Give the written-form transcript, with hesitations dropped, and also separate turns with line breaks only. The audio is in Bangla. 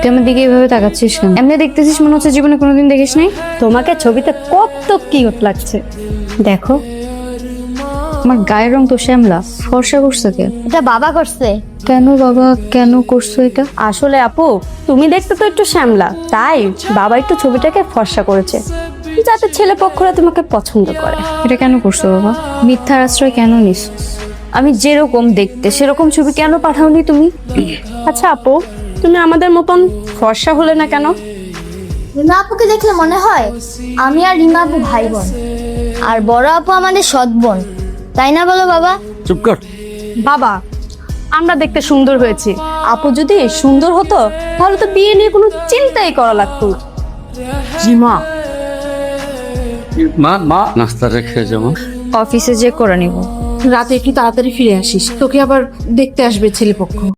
তুই আমার দিকে এভাবে তাকাচ্ছিস কেন? এমনি দেখতেছিস মনে হচ্ছে জীবনে কোনোদিন দেখিস নাই।
তোমাকে ছবিতে কত কিউট লাগছে।
দেখো আমার গায়ের রং তো শ্যামলা, ফর্সা করছে কে?
এটা বাবা করছে।
কেন বাবা, কেন করছো এটা?
আসলে আপু, তুমি দেখতে তো একটু শ্যামলা, তাই বাবা একটু ছবিটাকে ফর্সা করেছে যাতে ছেলে পক্ষরা তোমাকে পছন্দ করে।
এটা কেন করছো বাবা? মিথ্যার আশ্রয় কেন নিস? আমি যেরকম দেখতে সেরকম ছবি কেন পাঠাওনি তুমি?
আচ্ছা আপু, তুমি আমাদের মতন ফর্সা হলে না কেন?
রিমা আপুকে দেখলে মনে হয় আমি আর রিমা আপু ভাই বোন, আর বড় আপু আমাদের সৎ বোন, তাই না বলো বাবা?
চুপ কর।
বাবা, আমরা দেখতে সুন্দর হয়েছি, আপু যদি সুন্দর হতো তাহলে তো বিয়ে নিয়ে কোনো চিন্তাই করা লাগতো না।
জিমা,
মা মা নাস্তা রেখে যাবো।
অফিসে যে করে নিব।
রাতে একটু তাড়াতাড়ি ফিরে আসিস, তোকে আবার দেখতে আসবে ছেলেপক্ষ।